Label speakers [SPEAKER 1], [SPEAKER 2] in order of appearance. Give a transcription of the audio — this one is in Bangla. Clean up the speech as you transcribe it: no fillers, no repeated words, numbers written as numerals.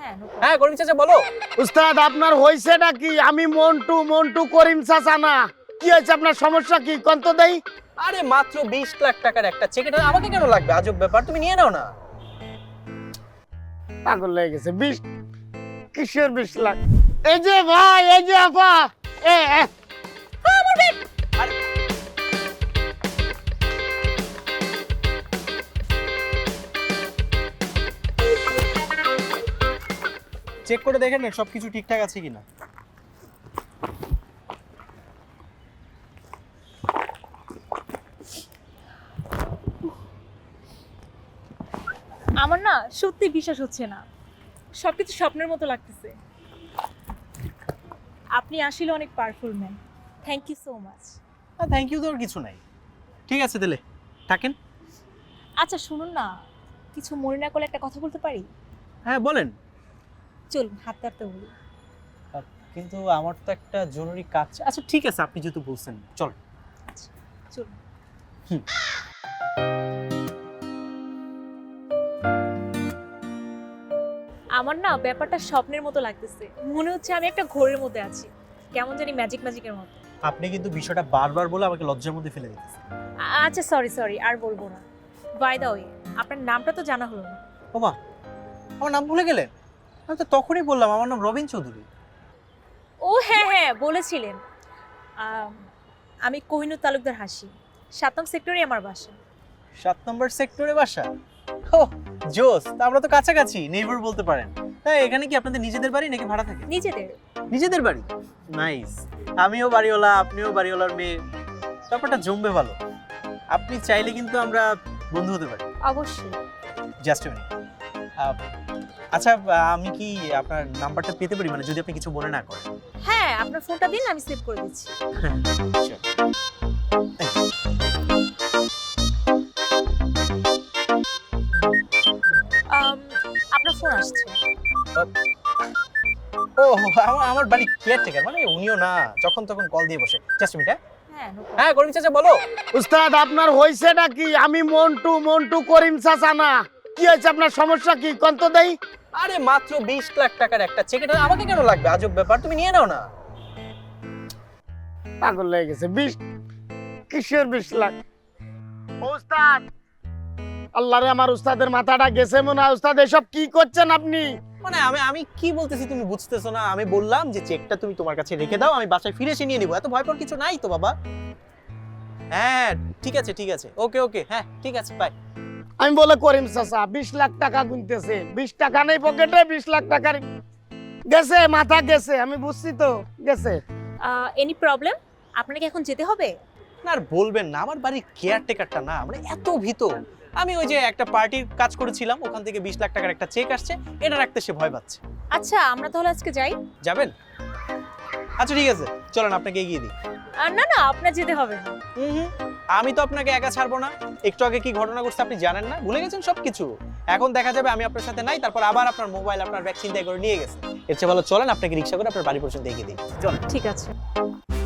[SPEAKER 1] হ্যাঁ করিম চাচা বলো।
[SPEAKER 2] উস্তাদ আপনার হইছেটা কি? আমি মন্টু মন্টু করিম চাচা না। কি হয়েছে আপনার সমস্যা কি কোন তো দেই?
[SPEAKER 1] আরে মাত্র 20 লাখ টাকার একটা চেক, এটা আমাকে কেন লাগবে? আজব ব্যাপার, তুমি নিয়ে নাও না।
[SPEAKER 2] পাগল হয়ে গেছে। 20 কিসের 20 লাখ? এই যে ভাই, এই যে আপা,
[SPEAKER 1] আরে চেক করে দেখেন না সবকিছু ঠিকঠাক আছে কিনা।
[SPEAKER 3] আমার না সত্যি বিশ্বাস হচ্ছে না, সবকিছু স্বপ্নের মতো লাগতেছে। আপনি আসলে অনেক powerful man. Thank you so much.
[SPEAKER 1] Thank you দেওয়ার কিছু নাই। ঠিক আছে তাহলে থাকেন।
[SPEAKER 3] আচ্ছা শুনুন না, কিছু মনে না করলে একটা কথা বলতে পারি?
[SPEAKER 1] হ্যাঁ বলেন।
[SPEAKER 3] চলুন হাত ধরতে বলি।
[SPEAKER 1] কিন্তু আমার তো একটা জরুরি কাজ। আচ্ছা ঠিক আছে, আপনি যেহেতু বলছেন চল।
[SPEAKER 3] চলুন। আমার না ব্যাপারটা স্বপ্নের মতো লাগতেছে, মনে হচ্ছে আমি একটা ঘোরের মধ্যে আছি, কেমন জানি ম্যাজিকের মতো।
[SPEAKER 1] আপনি কিন্তু বিষয়টা বারবার বলে আমাকে লজ্জার মধ্যে ফেলে দিতেছেন।
[SPEAKER 3] আচ্ছা সরি আর বলবো না। বাই দা ওয়ে, আপনার নামটা তো জানা হলো না।
[SPEAKER 1] ওমা, আমার নাম ভুলে গেলেন? আমি তো তখনই বললাম আমার নাম রবিন চৌধুরী।
[SPEAKER 3] ও হ্যাঁ বলেছিলেন। আমি কোহিনুর তালুকদার হাসি, 7 নং সেক্টরে আমার বাসা।
[SPEAKER 1] 7 নম্বর সেক্টরে বাসা? ও জোস, তা আমরা তো কাছাকাছি, নেইবার বলতে পারেন। তাই এখানে কি আপনাদের নিজেদের বাড়ি নাকি ভাড়া থাকে?
[SPEAKER 3] নিজেদের।
[SPEAKER 1] নিজেদের বাড়ি? নাইস। আমিও বাড়িওয়ালা, আপনিও বাড়িওয়ালার মেয়ে, ব্যাপারটা জমবে ভালো। আপনি চাইলে কিন্তু আমরা বন্ধু হতে পারি।
[SPEAKER 3] অবশ্যই।
[SPEAKER 1] Just a minute. আচ্ছা আমি কি আপনার নাম্বারটা পেতে পারি, মানে যদি আপনি কিছু মনে না করেন?
[SPEAKER 3] হ্যাঁ আপনার ফোনটা দিন, আমি সেভ করে দিচ্ছি।
[SPEAKER 1] Sure.
[SPEAKER 3] আপনার ফোন আসছে।
[SPEAKER 1] ও আমার বাড়ি কেয়ারটেকার, মানে উনিও না যখন তখন কল দিয়ে বসে। Just minute.
[SPEAKER 3] হ্যাঁ no problem.
[SPEAKER 1] হ্যাঁ করিম চাচা বলো।
[SPEAKER 2] উস্তাদ আপনার হইছেটা কি? আমি মন্টু মন্টু করিম চাচা না। কি হয়েছে আপনার সমস্যা কি কোন তো দেই?
[SPEAKER 1] আরে মাত্র 20 লাখ টাকার একটা চেক, এটা আমাকে কেন লাগবে? আজব ব্যাপার, তুমি নিয়ে নাও না।
[SPEAKER 2] পাগল হয়ে গেছে। 20 কিসের 20 লাখ? উস্তাদ, আল্লাহ রে, আমার উস্তাদের মাথাটা গেছে মনে হয়। উস্তাদ এসব কি করছেন আপনি?
[SPEAKER 1] মানে আমি কি বলতেছি তুমি বুঝতেছো না? আমি বললাম যে চেকটা তুমি তোমার কাছে রেখে দাও, আমি বাসায় ফিরে এসে নিয়ে নিবো। এত ভয় পাওয়ার কিছু নাই তো বাবা। হ্যাঁ ঠিক আছে ওকে হ্যাঁ ঠিক আছে বাই।
[SPEAKER 2] আমি বলে করিম চাচা 20 লাখ টাকা গুনতেছে, 20 টাকা নেই পকেটে, 20 লাখ টাকার গেছে, মাথা গেছে। আমি বুঝছি তো গেছে।
[SPEAKER 3] Any problem? আপনাকে এখন যেতে হবে?
[SPEAKER 1] না আর বলবেন না, আমার বাড়ির কেয়ারটেকারটা না মানে এত ভীত। আমি ওই যে একটা পার্টির কাজ করেছিলাম, ওখান থেকে 20 লাখ টাকার একটা চেক আসছে, এটা রাখতে সে ভয় পাচ্ছে।
[SPEAKER 3] আচ্ছা আমরা তাহলে আজকে যাই।
[SPEAKER 1] যাবেন? আচ্ছা ঠিক আছে চলেন, আপনাকে এগিয়ে দিই।
[SPEAKER 3] না আপনার যেতে হবে না।
[SPEAKER 1] আমি তো আপনাকে একা ছাড়বো না। একটু আগে কি ঘটনা ঘটছে আপনি জানেন না? ভুলে গেছেন সবকিছু? এখন দেখা যাবে আমি আপনার সাথে নাই, তারপর আবার আপনার মোবাইল আপনার ব্যাগ চিন্তাই করে নিয়ে গেছে। এর চেয়ে ভালো চলেন আপনাকে রিক্সা করে আপনার বাড়ি পর্যন্ত এগিয়ে দিই। চলেন।
[SPEAKER 3] ঠিক আছে।